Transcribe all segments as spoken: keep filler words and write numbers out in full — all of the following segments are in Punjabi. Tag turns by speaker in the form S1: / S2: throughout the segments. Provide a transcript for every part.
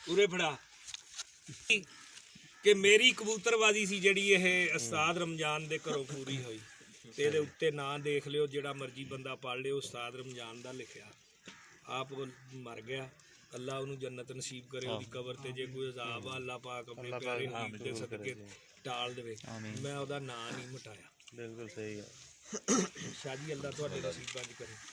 S1: ਉਰੇ ਫੜਾ ਕਿ ਮੇਰੀ ਕਬੂਤਰਬਾਜ਼ੀ ਸੀ ਜਿਹੜੀ ਇਹ ਉਸਤਾਦ ਰਮਜ਼ਾਨ ਦੇ ਘਰੋਂ ਪੂਰੀ ਹੋਈ। ਤੇ ਇਹਦੇ ਉੱਤੇ ਨਾਂ ਦੇਖ ਲਿਓ, ਜਿਹੜਾ ਮਰਜੀ ਬੰਦਾ ਪੜ੍ਹ ਲਿਓ, ਉਸਤਾਦ ਰਮਜ਼ਾਨ ਦਾ ਲਿਖਿਆ। ਆਪ ਮਰ ਗਿਆ, ਅੱਲਾ ਉਹਨੂੰ ਜੰਨਤ ਨਸੀਬ ਕਰੇ। ਉਹਦੀ ਕਬਰ ਤੇ ਜੇ ਕੋਈ ਅਜ਼ਾਬ ਆ, ਅੱਲਾ ਪਾਕ ਆਪਣੇ ਪਿਆਰੇ ਹਬੀਬ ਦੇ ਸਦਕੇ ਟਾਲ ਦੇਵੇ। ਮੈਂ ਉਹਦਾ ਨਾਂ ਨਹੀਂ ਮਿਟਾਇਆ।
S2: ਬਿਲਕੁਲ ਸਹੀ ਹੈ
S1: ਸ਼ਾਹ ਜੀ, ਅੱਲਾ ਤੁਹਾਡੇ ਨਸੀਬਾਂ 'ਚ ਕਰੇ।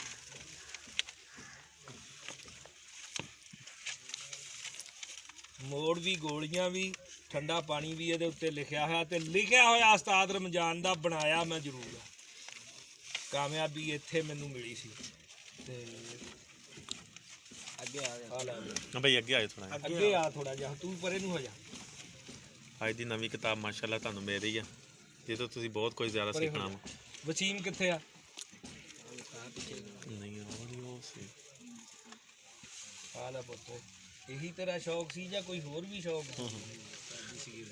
S1: ਮੋੜ ਵੀ, ਗੋਲੀਆਂ ਵੀ, ਠੰਡਾ ਪਾਣੀ ਵੀ ਇਹਦੇ ਉੱਤੇ ਲਿਖਿਆ ਹੋਇਆ। ਤੇ ਲਿਖਿਆ ਹੋਇਆ ਉਸਤਾਦ ਰਮਜ਼ਾਨ ਦਾ, ਬਣਾਇਆ ਮੈਂ ਜ਼ਰੂਰ ਆ। ਕਾਮਯਾਬੀ ਇੱਥੇ ਮੈਨੂੰ ਮਿਲੀ ਸੀ। ਤੇ ਅੱਗੇ ਆ ਜਾ
S2: ਬਈ, ਅੱਗੇ ਆਇਓ ਥੋੜਾ
S1: ਅੱਗੇ ਆ ਥੋੜਾ ਜਿਹਾ, ਤੂੰ ਪਰੇ ਨੂੰ ਹੋ ਜਾ।
S2: ਅੱਜ ਦੀ ਨਵੀਂ ਕਿਤਾਬ ਮਾਸ਼ਾਅੱਲਾ ਤੁਹਾਨੂੰ ਮਿਲ ਰਹੀ ਆ, ਜਿਸ ਤੋਂ ਤੁਸੀਂ ਬਹੁਤ ਕੁਝ ਜ਼ਿਆਦਾ ਸਿੱਖਣਾ ਵਾ।
S1: ਵਸੀਮ ਕਿੱਥੇ ਆ?
S2: ਨਹੀਂ ਉਹ ਸੀ
S1: ਆ ਲੈ ਪੁੱਤ, ਇਹੀ ਤੇਰਾ ਸ਼ੌਕ ਸੀ ਜਾਂ ਕੋਈ ਹੋਰ ਵੀ ਸ਼ੌਕ ਸੀ?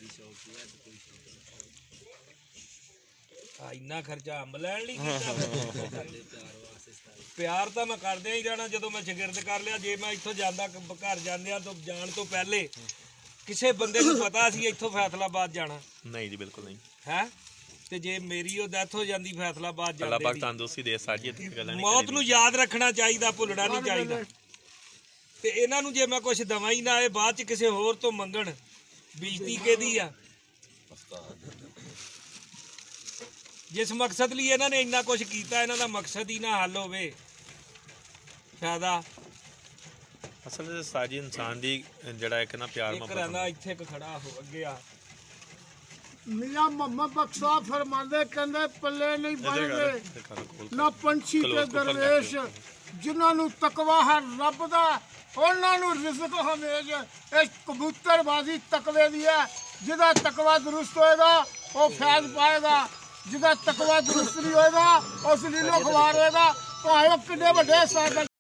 S1: ਆ ਇੰਨਾ ਖਰਚਾ ਅੰਬ ਲੈਣ ਲਈ ਕੀਤਾ? ਪਿਆਰ ਤਾਂ ਮੈਂ ਕਰਦਿਆਂ ਹੀ ਰਹਿਣਾ ਜਦੋਂ ਮੈਂ ਸ਼ਾਗਿਰਦ ਕਰ ਲਿਆ। ਜੇ ਮੈਂ ਇੱਥੋਂ ਜਾਂਦਾ ਘਰ ਜਾਂਦਿਆਂ ਤੋਂ ਜਾਣ ਤੋਂ ਪਹਿਲੇ ਕਿਸੇ ਬੰਦੇ ਨੂੰ ਪਤਾ ਸੀ ਇੱਥੋਂ ਫੈਸਲਾਬਾਦ ਜਾਣਾ?
S2: ਨਹੀਂ ਜੀ, ਬਿਲਕੁਲ ਨਹੀਂ
S1: ਹੈ। ਤੇ ਜੇ ਮੇਰੀ ਉਹ ਡੈਥ ਹੋ ਜਾਂਦੀ ਫੈਸਲਾਬਾਦ ਜਾਂਦੇ,
S2: ਅੱਲਾਹ ਪਾਕ ਤੰਦਰੁਸਤੀ ਦੇ। ਸਾਡੀ ਗੱਲਾਂ ਨਹੀਂ,
S1: ਮੌਤ ਨੂੰ ਯਾਦ ਰੱਖਣਾ ਚਾਹੀਦਾ, ਭੁੱਲਣਾ ਨਹੀਂ ਚਾਹੀਦਾ। ਤੇ ਇਹਨਾਂ ਨੂੰ ਜੇ ਮੈਂ ਕੁਛ ਦਵਾਂ ਹੀ ਨਾ, ਇਹ ਬਾਅਦ ਚ ਕਿਸੇ ਹੋਰ ਤੋਂ ਮੰਗਣ, ਬੇਇੱਜ਼ਤੀ ਕਿਹਦੀ ਆ? ਜਿਸ ਮਕਸਦ ਲਈ ਇਹਨਾਂ ਨੇ ਇੰਨਾ ਕੁਛ ਕੀਤਾ, ਇਹਨਾਂ ਦਾ ਮਕਸਦ ਹੀ ਨਾ ਹੱਲ ਹੋਵੇ, ਫਾਇਦਾ।
S2: ਅਸਲ ਵਿੱਚ ਸਾਜੀ ਇਨਸਾਨ ਦੀ ਜਿਹੜਾ ਇੱਕ ਨਾ ਪਿਆਰ
S1: ਇੱਕ ਰਹਿੰਦਾ ਇੱਥੇ ਇੱਕ ਖੜਾ ਹੋ, ਅੱਗੇ ਆ।
S3: मियां मोहम्मद बख्शा फरमांदे कहंदे पल्ले नहीं बनदे ना पंछी ते दरवेश, जिन्हां नूं तकवा है रब दा उन्हां नूं रिज़्क हमेज। इस कबूतरबाजी तकवे दी है। जिहदा तकवा दुरुस्त होएगा वो फैज़ पाएगा, जिहदा तकवा दुरुस्त नहीं होएगा उस लीलो खवार होएगा। भावें किन्ने वड्डे साहिब